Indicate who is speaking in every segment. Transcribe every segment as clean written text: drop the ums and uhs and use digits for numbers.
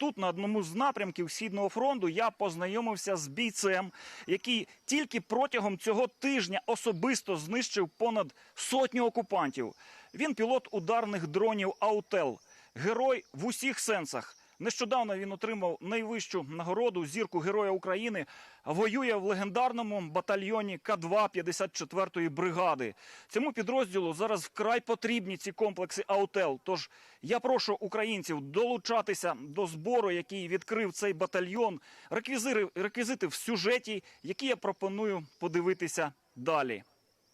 Speaker 1: тут, на одному з напрямків Східного фронту, я познайомився з бійцем, який тільки протягом цього тижня особисто знищив понад 100 окупантів. Він пілот ударних дронів «Аутел». Герой в усіх сенсах. Нещодавно він отримав найвищу нагороду «Зірку Героя України», воює в легендарному батальйоні К2 54-ї бригади. Цьому підрозділу зараз вкрай потрібні ці комплекси «Аутел». Тож я прошу українців долучатися до збору, який відкрив цей батальйон. Реквізити в сюжеті, які я пропоную подивитися далі.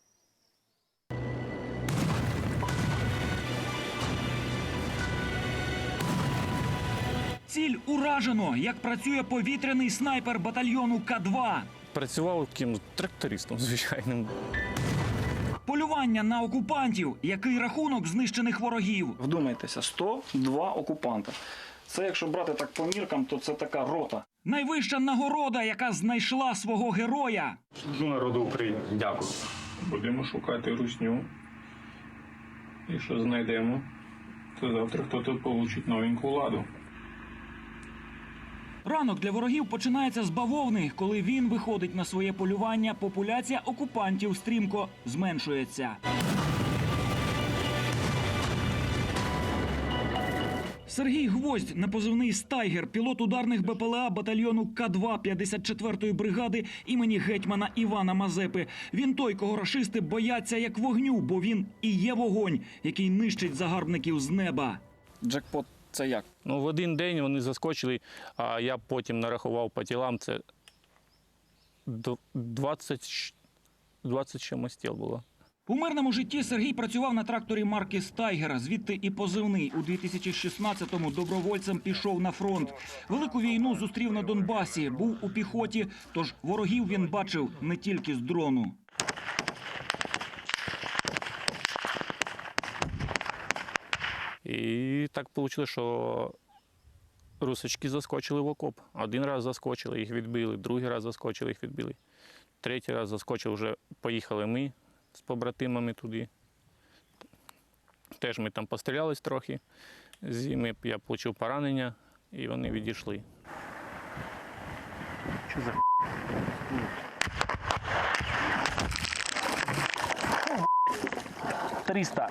Speaker 1: Ціль уражено, як працює повітряний снайпер батальйону К2.
Speaker 2: Працював ким трактористом звичайним.
Speaker 1: Полювання на окупантів. Який рахунок знищених ворогів? Вдумайтеся, 102 окупанта. Це, якщо брати так по міркам, то це така рота. Найвища нагорода, яка знайшла свого героя.
Speaker 3: Служу народу України.
Speaker 2: Дякую.
Speaker 3: Будемо шукати русню. І що знайдемо, то завтра хтось получить новеньку ладу.
Speaker 1: Ранок для ворогів починається з бавовни. Коли він виходить на своє полювання, популяція окупантів стрімко зменшується. Сергій Гвоздь, на позивний «Стайгер», пілот ударних БПЛА батальйону К2 54-ї бригади імені гетьмана Івана Мазепи. Він той, кого рашисти бояться як вогню, бо він і є вогонь, який нищить загарбників з неба. Джекпот – це як?
Speaker 2: Ну, в один день вони заскочили, а я потім нарахував по тілам, це 20 чимось тіл було.
Speaker 1: У мирному житті Сергій працював на тракторі марки «Стайгер», звідти і позивний. У 2016-му добровольцем пішов на фронт. Велику війну зустрів на Донбасі, був у піхоті, тож ворогів він бачив не тільки з дрону.
Speaker 2: І так вийшло, що русички заскочили в окоп. Один раз заскочили, їх відбили, другий раз заскочили, їх відбили. Третій раз заскочили, вже поїхали ми з побратимами туди. Теж ми там пострілялись трохи, я отримав поранення і вони відійшли. Що за 300.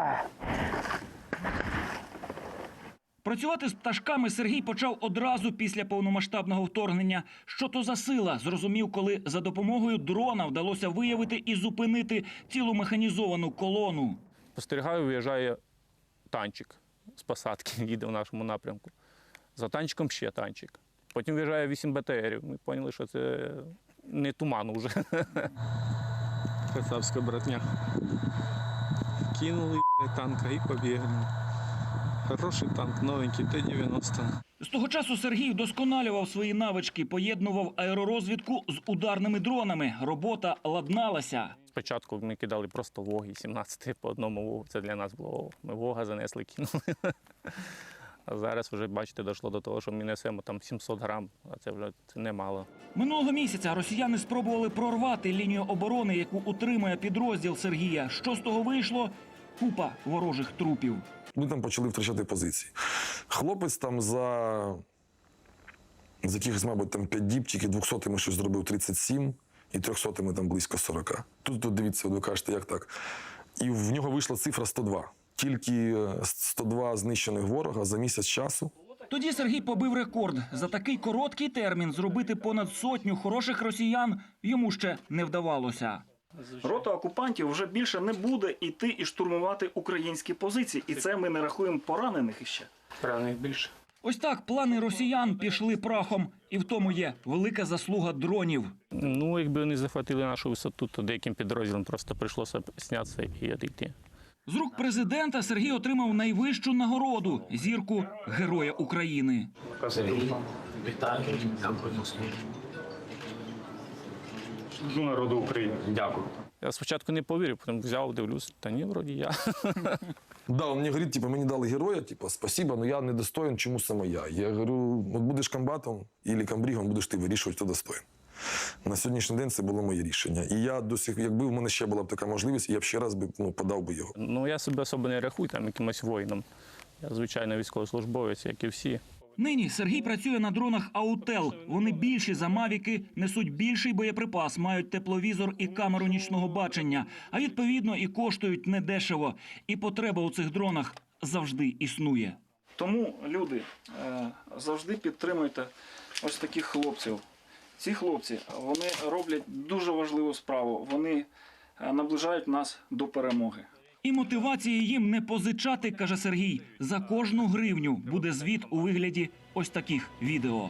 Speaker 1: Працювати з пташками Сергій почав одразу після повномасштабного вторгнення. Що то за сила, зрозумів, коли за допомогою дрона вдалося виявити і зупинити цілу механізовану колону.
Speaker 2: Спостерігаю, виїжджає танчик з посадки, їде в нашому напрямку. За танчиком ще танчик. Потім виїжджає 8 БТРів. Ми зрозуміли, що це не туман уже.
Speaker 4: Кацапська братня. Кинули танка і побігли. Хороший танк, новенький, Т-90.
Speaker 1: З того часу Сергій вдосконалював свої навички, поєднував аеророзвідку з ударними дронами. Робота ладналася.
Speaker 2: Спочатку ми кидали просто воги, 17 по одному вогу. Це для нас було. Ми вога занесли, кинули. А зараз вже, бачите, дійшло до того, що ми несемо там 700 грам, а це вже немало.
Speaker 1: Минулого місяця росіяни спробували прорвати лінію оборони, яку утримує підрозділ Сергія. Що з того вийшло? Купа ворожих трупів.
Speaker 5: Ми там почали втрачати позиції. Хлопець там за якихось, мабуть, там 5 діб, тільки 200-ми щось зробив 37, і 300-ми там близько 40. Тут дивіться, ви кажете, як так. І в нього вийшла цифра 102. Тільки 102 знищених ворога за місяць часу.
Speaker 1: Тоді Сергій побив рекорд. За такий короткий термін зробити понад 100 хороших росіян йому ще не вдавалося. Рота окупантів вже більше не буде йти і штурмувати українські позиції. І це ми не рахуємо поранених іще.
Speaker 2: Поранених більше.
Speaker 1: Ось так плани росіян пішли прахом. І в тому є велика заслуга дронів.
Speaker 2: Ну, якби вони захватили нашу висоту, то деяким підрозділам просто прийшлося знятися і відійти.
Speaker 1: З рук президента Сергій отримав найвищу нагороду – зірку Героя України.
Speaker 6: Вітаю, дякую.
Speaker 3: Служу народу України.
Speaker 6: Дякую.
Speaker 2: Я спочатку не повірив, потім взяв, дивлюсь, та ні, вроді я.
Speaker 5: Да, він мені говорить, типу, мені дали героя, типу, спасибо, але я не достоин, чому саме я. Я говорю, от будеш комбатом або комбригом, будеш ти вирішувати, хто достоин. На сьогоднішній день це було моє рішення. І я якби в мене ще була б така можливість, я б ще раз подав би його.
Speaker 2: Ну, я себе особо не рахую там якимось воїном. Я, звичайно, військовослужбовець, як і всі.
Speaker 1: Нині Сергій працює на дронах «Аутел». Вони більші за «Мавіки», несуть більший боєприпас, мають тепловізор і камеру нічного бачення, а відповідно і коштують недешево. І потреба у цих дронах завжди існує. Тому, люди, завжди підтримуйте ось таких хлопців. Ці хлопці, вони роблять дуже важливу справу. Вони наближають нас до перемоги. І мотивації їм не позичати, каже Сергій. За кожну гривню буде звіт у вигляді ось таких відео.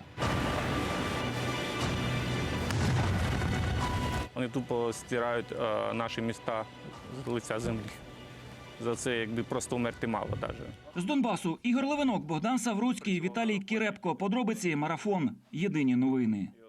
Speaker 2: Вони тупо стирають наші міста з лиця землі. За це якби просто вмерти мало навіть.
Speaker 1: З Донбасу Ігор Левинок, Богдан Савруцький, Віталій Кірепко. Подробиці «Марафон». Єдині новини.